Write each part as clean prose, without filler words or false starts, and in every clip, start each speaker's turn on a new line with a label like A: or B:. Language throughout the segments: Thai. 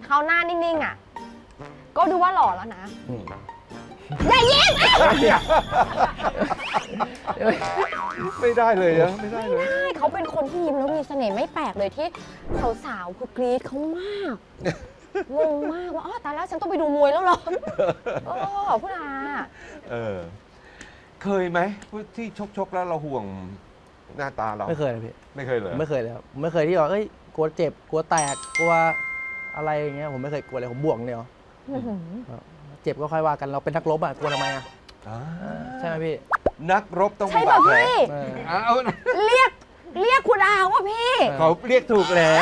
A: เขาหน้านิ่งๆอ่ะก็ดูว่าหล่อแล้วนะอย่ายิ้ม
B: ไม่ได้เลยนะไม่ได้เลย
A: ใช่เขาเป็นคนที่ยิ้มแล้วมีเสน่ห์ไม่แปลกเลยที่สาวๆคือกรี๊ดเขามากงงมากว่าอ๋อตายแล้วฉันต้องไปดูมวยแล้วเหรอโอ้พูดอา
B: เคยไหมที่ชกแล้วเราห่วงหน้าตาเรา
C: ไม่เคยเลยพี่
B: ไม่เคยเลย
C: ไม่เคยเลยครับไม่เคยที่ว่ากลัวเจ็บกลัวแตกกลัวอะไรอย่างเงี้ยผมไม่เคยกลัวเลยผมบวกเดียวเจ็บก็ค่อยว่ากันเราเป็นนักรบอ่ะกลัวทำไมอ่ะใช่ไหมพี่
B: นักรบต้องมี
A: ใช่
B: บา
A: ป่ะ
B: ดแผล
A: พี่เรียกคุณอาว่าพี่
B: เขาเรียกถูกแล้ว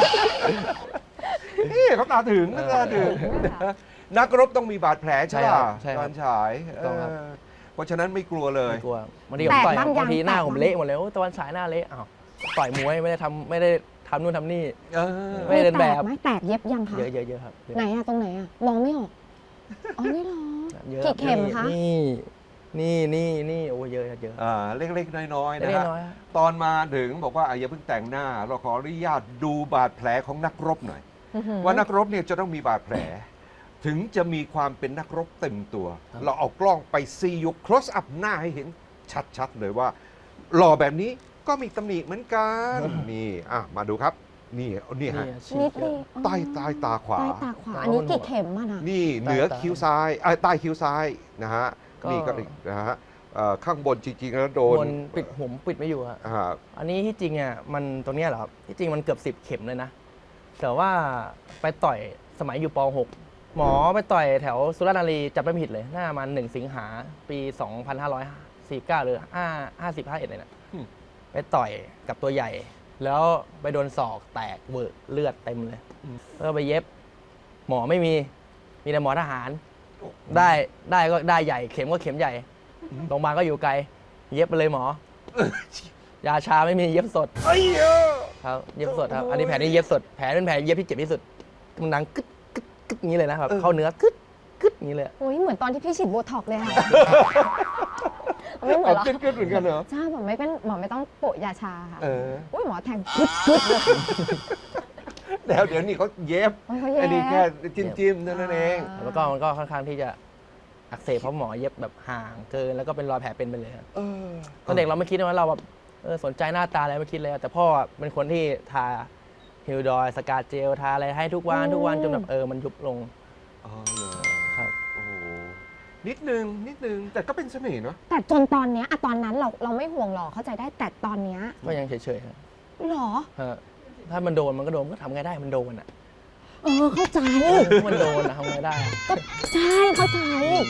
B: นี่เขาตาถึงนักรบต้องมีบาดแผลใช่ป่ะตอนฉายเพราะฉะนั้นไม่กลัวเลย
C: ไม่กลัวบางทีผมต่อยบางทีหน้าผมเละหมดเลยตะวันฉายหน้าเละอ้าวต่อยมวยไม่ได้ทำนู่นทำนี่ไม่ได้เดินแบบ
A: ไม่แตกเย็บยังคะ
C: เยอะครับ
A: ไหนอะตรงไหนอะมองไม่ออกอ๋อนี่หรอกี่เข็มคะ
C: นี่โอ้เยอะ
B: เล็กๆน้อยๆนะฮะตอนมาถึงบอกว่าอย่าเพิ่งแต่งหน้าเราขออนุญาตดูบาดแผลของนักรบหน่อยว่านักรบเนี่ยจะต้องมีบาดแผลถึงจะมีความเป็นนักรบเต็มตัวเราเอากล้องไปซียก close up หน้าให้เห็นชัดๆเลยว่าหล่อแบบนี้ก็มีตำหนิเหมือนกันนี่มาดูครับนี่ฮะใต้ตาขวา
A: อันนี้กี่เข็มอะนะ
B: นี่เหนือคิ้วซ้ายใต้คิ้วซ้ายนะฮะนี่ก็นะฮะข้างบนจริงๆแล้วโดน
C: ปิดผมปิดไม่อยู่อันนี้ที่จริงอ่ะมันตรงนี้เหรอครับที่จริงมันเกือบ10 เข็มเลยนะแต่ว่าไปต่อยสมัยอยู่ป .6 หมอไปต่อยแถวสุราษฎร์ธานีจับไม่ผิดเลยหน้ามัน1 สิงหาปี 2549 หรือ50-51เลยนะไปต่อยกับตัวใหญ่แล้วไปโดนศอกแตกเวอะเลือดเต็มเลยแล้วก็ไปเย็บหมอไม่มีแต่หมอทหารได้ก็ได้ใหญ่เข็มก็เข็มใหญ่โรงพยาบาลก็อยู่ไกลเย็บไปเลยหมอยาชาไม่มีเย็บสดครับเย็บสดครับอันนี้แผลนี้เย็บสดแผลเป็นแผลเย็บที่เจ็บที่สุดมันดังกึ๊ดอย่างนี้เลยนะครับเข้าเนื้อกึ๊ดอย่างนี้เลย
A: โอ้ยเหมือนตอนที่พี่ฉีดโบท็อกเลยค่ะไม่เหมือนหรอ
B: กึ๊ดเหมือนกันเหรอ
A: ใช่หมอไม่ต้องโปะยาชาค่ะโอ้ยหมอแทงกึ๊ด
B: เดี๋ยวนี้เขาเย็บอันนี้แค่จิ้มเท่านั้นเอง
C: แล้วก็มันก็ค่อนข้างที่จะอักเสบเพราะหมอเย็บแบบห่างเกินแล้วก็เป็นรอยแผลเป็นไปเลยครับตอนเด็กเราไม่คิดว่าเราแบบสนใจหน้าตาอะไรไม่คิดเลยแต่พ่อเป็นคนที่ทาฮิลดอยสกาเจลทาอะไรให้ทุกวันจนแบบมันยุบลง
B: ครับโอ้นิดนึงแต่ก็เป็นเสน่ห์เนาะ
A: แต่จนตอนเนี้ยตอนนั้นเราไม่ห่วงหรอกเข้าใจได้แต่ตอนเนี้ย
C: ก็ยังเฉยๆครับ
A: หรอ
C: ถ้ามันโดนมันก็โดนก็ทำไงได้มันโดน
A: เข้าใจ
C: มันโดนทำไงได้
A: ก็ใช่เข้าใจ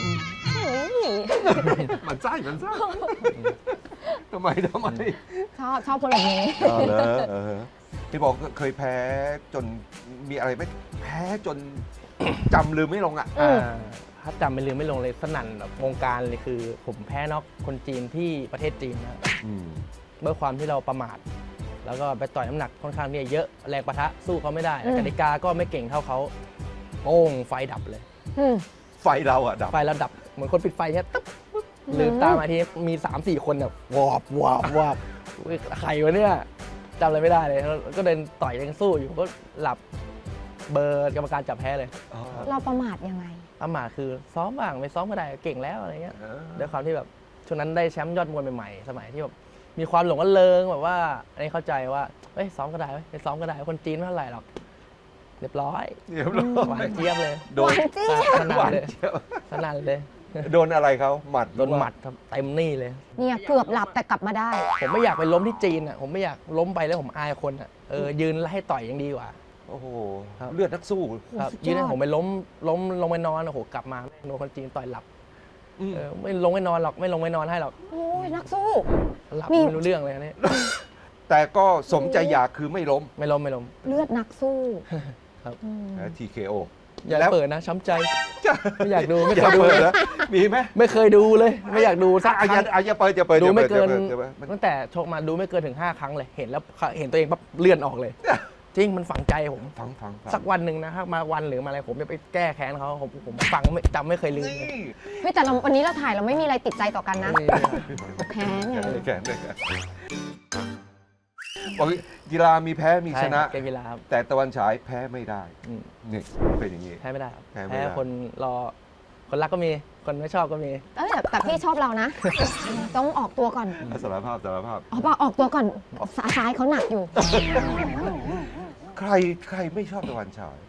B: มันไส้ทำไม
A: ชอบคนแบบนี้
B: พี่บอกเคยแพ้จนมีอะไรไหมแพ้จนจำลืมไม่ลง
C: ถ้าจำไม่ลืมไม่ลงเลยสนั่นแบบวงการเลยคือผมแพ้น็อกคนจีนที่ประเทศจีนนะเมื่อความที่เราประมาทแล้วก็ไปต่อยน้ำหนักค่อนข้างเนี่ยเยอะแรงปะทะสู้เขาไม่ได้กติกาก็ไม่เก่งเท่าเขาโป้งไฟดับเลย
B: ไฟเราดับ
C: ไฟเราดับเหมือนคนปิดไฟเนี่ยตึ๊บลืมตามาทีมี 3-4 คนแบบวอบใครวะเนี่ยจำอะไรไม่ได้เลยก็เดินต่อยยังสู้อยู่ก็หลับเบอร์กรรมการจับแพ้เลย
A: เราประมาทยังไง
C: ประมาทคือซ้อมบ้างไม่ซ้อมก็ได้เก่งแล้วอะไรเงี้ยด้วยความที่แบบช่วงนั้นได้แชมป์ยอดมวยใหม่ๆสมัยที่แบบมีความหลงระเริงแบบว่าอันนี้เข้าใจว่าซ้อมก็ได้ไม่ซ้อมก็ได้คนจีนไม่เท่าไหร่หรอกเรียบร้อยหวานเจี๊ยบเลย
A: โดน
C: สนั่นเลย
B: โดนอะไรเขาหมัด
C: โดนหมัดเต็มนี่เลย
A: เนี่ยเกือบหลับแต่กลับมาได้
C: ผมไม่อยากไปล้มที่จีนผมไม่อยากล้มไปแล้วผมอายคนยืนให้ต่อยยังดีกว่า
B: โอ้โหเลือดนักสู้
C: ยืนให้ผมไปล้มลงไปนอนโอ้โหกลับมาโดนคนจีนต่อยหลับไม่ลงไม่นอนหรอกไม่ลงไม่นอนให้หรอก
A: โอ้ยนักสู้
C: หลับไม่รู้เรื่องเลยนี่
B: แต่ก็สมใจอยากคือไม่ล้ม
C: เ
A: ลือดนักสู้
C: ครับ
B: TKO
C: อย่าเปิดนะช้ำใจไม่อยากดูไม่เคยดู
B: เลยมีไหม
C: ไม่เคยดูเลยไม่อยากดูสัก
B: อย่าเปิด
C: ดูไม่เกินตั้งแต่ชกมาดูไม่เกินถึง5 ครั้งเลยเห็นแล้วเห็นตัวเองปั๊บเลื่อนออกเลยจริงมันฝังใจผมสักวันหนึ่งนะมาวันหรือมาอะไรผมจะไปแก้แค้นเขาผมฟังจำไม่เคยลืม
A: เฮ้ยแต่วันนี้เราถ่ายเราไม่มีอะไรติดใจต่อกันนะแค้นไง
B: บอกกีฬามีแพ้มีชนะ
C: เกมกีฬาครับ
B: แต่ตะวันฉายแพ้ไม่ได้
C: อืม
B: นี่เป็นอย่างนี้
C: แพ้ไม่ได้ครับ
B: แพ้ไม่ได้
C: คนรอคนรักก็มีคนไม่ชอบก็มี
A: แต่พี่ชอบเรานะ ต้องออกตัวก่อน
B: สารภาพ
A: ออกตัวก่อนซ้ายเขาหนักอยู่
B: ใครไม่ชอบตะวันฉาย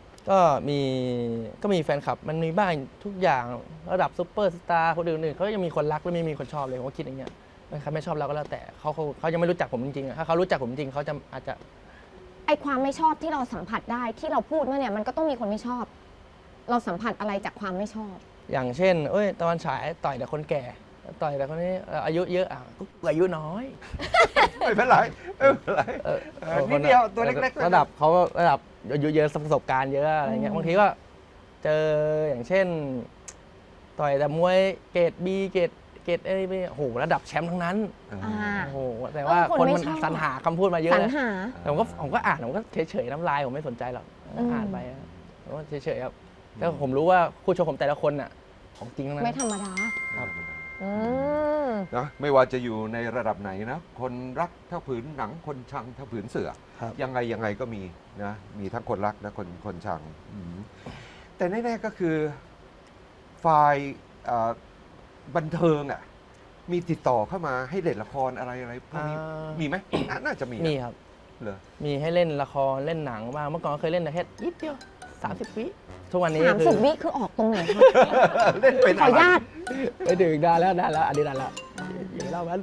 C: ก็มีแฟนคลับมันมีบ้างทุกอย่างระดับซุปเปอร์สตาร์คนอื่นๆเขายังมีคนรักและไม่มีคนชอบเลยผมก็คิดอย่างเงี้ยใครไม่ชอบเราก็แล้วแต่เขายังไม่รู้จักผมจริงๆถ้าเขารู้จักผมจริงเขาจะอาจจะ
A: ไอความไม่ชอบที่เราสัมผัสได้ที่เราพูดว่าเนี่ยมันก็ต้องมีคนไม่ชอบ เราสัมผัสอะไรจากความไม่ชอบ
C: อย่างเช่นตะวันฉายต่อยแต่คนแก่ต่อยแต่คนนี้อายุเยอะก็อายุน้อย
B: ไม่เป็นไรนิดเดียวตัวเล็กๆ
C: ระดับเขาระดับอายุเยอะประสบการณ์เยอะอะไรเงี้ยบางทีก็เจออย่างเช่นต่อยแต่มวยเกรด B เกรดอะไรไปโอ้โหระดับแชมป์ทั้งนั้น โอ้โหแต่ว่าคนมันสรรหาคำพูดมาเยอะ
A: สรร
C: นะ
A: หา
C: แต่ผมก็อ่านผมก็เฉยๆน้ำลายผมไม่สนใจหรอกอ่านไปผมก็เฉยๆครับแล้วผมรู้ว่าคู่ชกผมแต่ละคนน่ะของจริงทั้งนั้น
A: ไม่ธรรมดา
C: ครับ
A: อืม
B: นะไม่ว่าจะอยู่ในระดับไหนนะคนรักเท่าผืนหนังคนชังเท่าผืนเสือ
C: ครับ
B: ยังไงก็มีนะมีทั้งคนรักและคนชังแต่แน่ๆก็คือฝ่ายบันเทิงอ่ะมีติดต่อเข้ามาให้เล่นละครอะไรพวกนี้มีไหมน่าจะมีนะ
C: มีครับ
B: เหรอ
C: มีให้เล่นละครเล่นหนังบ้างเมื่อก่อนก็เคยเล่นแต่แค่นิดเดียว30 วิทุกวันนี้คือ
A: 30 วิคือออกตรงไหนคะ
B: เล่นเป็น
A: ขออนุญาต
C: ไปดึกได้แล้วอันนี้ได้แล้วอย่าเล่ามัน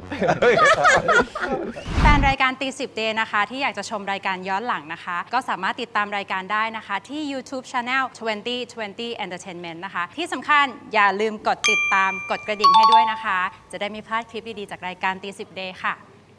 D: แฟนรายการตี10 Day นะคะที่อยากจะชมรายการย้อนหลังนะคะ ก็สามารถติดตามรายการได้นะคะ ที่ YouTube Channel 2020 Entertainment นะคะ ที่สำคัญอย่าลืมกดติดตามกดกระดิ่งให้ด้วยนะคะ จะได้ไม่พลาดคลิปดี ๆ จากรายการตี10 Day ค่ะ